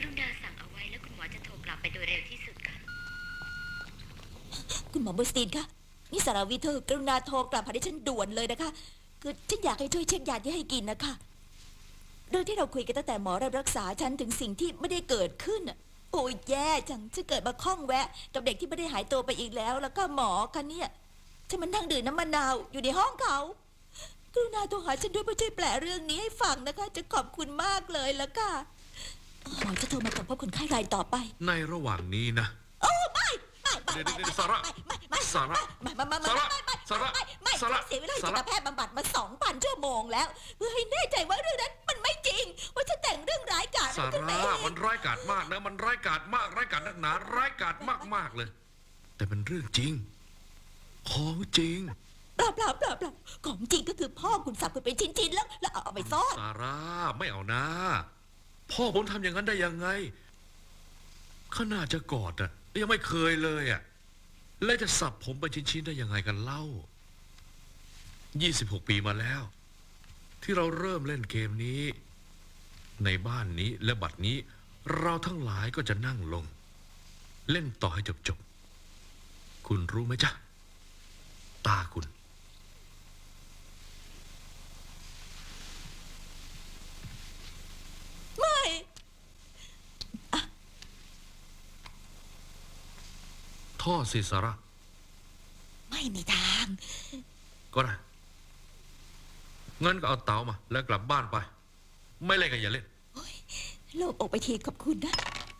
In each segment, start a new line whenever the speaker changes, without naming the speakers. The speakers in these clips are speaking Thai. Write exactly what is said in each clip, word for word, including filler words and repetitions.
กรุณาสั่งเอาไว้แล้วคุณหมอจะโทรกลับไปโดยเร็วที่สุดค่ะ
คุณหมอบูสตีนคะนี่สารวิทย์เธอกรุณาโทรกลับหาดิฉันด่วนเลยนะคะคือฉันอยากให้ช่วยเช็คยาที่ให้กินนะคะเรื่องที่เราคุยกันตั้งแต่หมอรับรักษาฉันถึงสิ่งที่ไม่ได้เกิดขึ้นโอ้ยแย่จังฉันเกิดมาคล้องแวะกับเด็กที่ไม่ได้หายตัวไปอีกแล้ว แล้วก็หมอกันเนี่ยฉันมันนั่งดื่มน้ำมะนาวอยู่ในห้องเขากรุณาโทรหาฉันด้วยเพื่อช่วยแปลเรื่องนี้ให้ฟังนะคะจะขอบคุณมากเลยแล้วก็หมอจะโทรมาตอบพบคนไข้รายต่อไป
ในระหว่างนี้นะ
โอ้ไม่ไม่ไม่
เดี๋ยว
ไม่
เดี๋ยว
ไม่
สาระ
ไม่ไม่
สาระ
ไม่ไม่ไม่ไม่
สาระ
ไม่ไม่
สาระ
ไม่ไม่
สาระ
เสียเวลาจิ
สา
ต
ระ
แพทย์บำบัดมาสองพันชั่วโมงแล้วเพื่อให้แน่ใจว่าเรื่องนั้นมันไม่จริงว่าฉันแต่งเรื่องร้ายกาจ
สา
ขึ้นมา
ระ
เอง
มันร้ายกาจมากนะมันร้ายกาจมากร้ายกาจนักหนาร้ายกาจมากๆเลย แต่เป็นเรื่องจริงของจริง
เปล่าเปล่าเปล่าเปล่าของจริงก็คือพ่อคุณสับคุณเป็นชิ้นๆแล้วแล้วเอาไปซ่อน
สาระไม่เอานะพ่อผมทำอย่างนั้นได้ยังไงขนาดจะกอดอะยังไม่เคยเลยอะแล้วจะสับผมเป็นชิ้นๆได้ยังไงกันเล่ายี่สิบหกปีมาแล้ว ที่เราเริ่มเล่นเกมนี้ ในบ้านนี้และบัดนี้ เราทั้งหลายก็จะนั่งลง เล่นต่อให้จบๆคุณรู้ไหมจ๊ะตาคุณ
ไม่
ท่อสิสาระ
ไม่มีทาง
ก็ได้งั้นก็เอาเต๋ามาแล้วกลับบ้านไป ไม่เล่นกันอย่าเล่น
โอ้ยโล่งอกไปทีขอบคุณนะ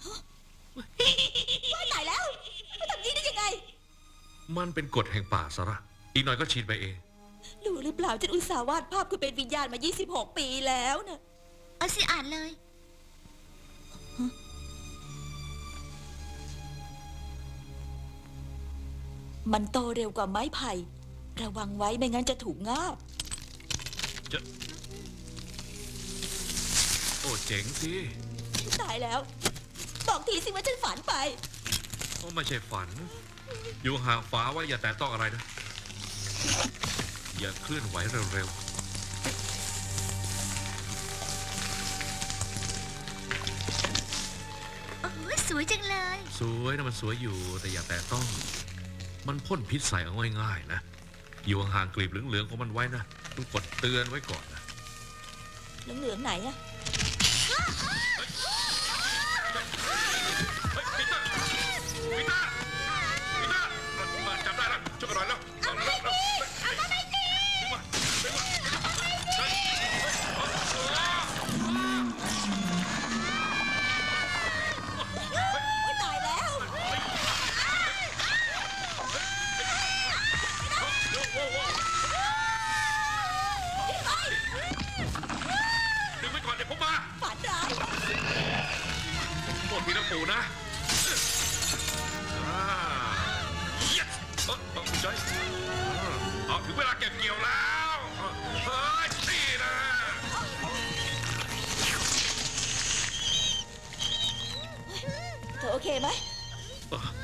ว่าตายแล้วมาทำนี้ได้ยังไง
มันเป็นกฎแห่งป่าสาระ อีกหน่อยก็ชินไปเอง
รู้หรือเปล่าฉันอุตส่าห์วาดภาพคุณเป็นวิญญาณมายี่สิบหกปีแล้วนะ
เอาสิอ่านเลย
มันโตเร็วกว่าไม้ไผ่ระวังไว้ไม่งั้นจะถูกงาบ
จะ โอ้เจ๋งสิ
ตายแล้ว บอกทีสิว่าฉันฝันไป
ก็ไม่ใช่ฝัน อยู่ห่างฟ้าไว้อย่าแตะต้องอะไรนะ อย่าเคลื่อนไหวเร็ว
โอ้ยสวยจังเลย
ๆ สวยนะมันสวยอยู่ แต่อย่าแตะต้อง มันพ่นพิษใส่เอาง่ายๆนะ อยู่ห่างๆกลีบเหลืองๆของมันไว้นะต้องกดเตือนไว้ก่อนนะ
เหลืองๆไหนอะ
เฮ้ยปีเตอร์ปีเตอร์ปีเตอร์มาจับได้แล้วช่วยกันหน่อยแล้วเอาไปสิเอาไปสิดึงมาดึงมาเฮ้ยเฮ้ย
โอ้ยตายแล้ว
โว้โว้ดึงไว้ก่อนเดี๋ยวผมมา
ฝันร้าย
โทษทีนะปู่นะอ่า yes เออเออใจเอาถึงเวลาเก็บเกี่ยวแล้วเฮ้ยนี่นะ
เธอโอเคไหม
เออ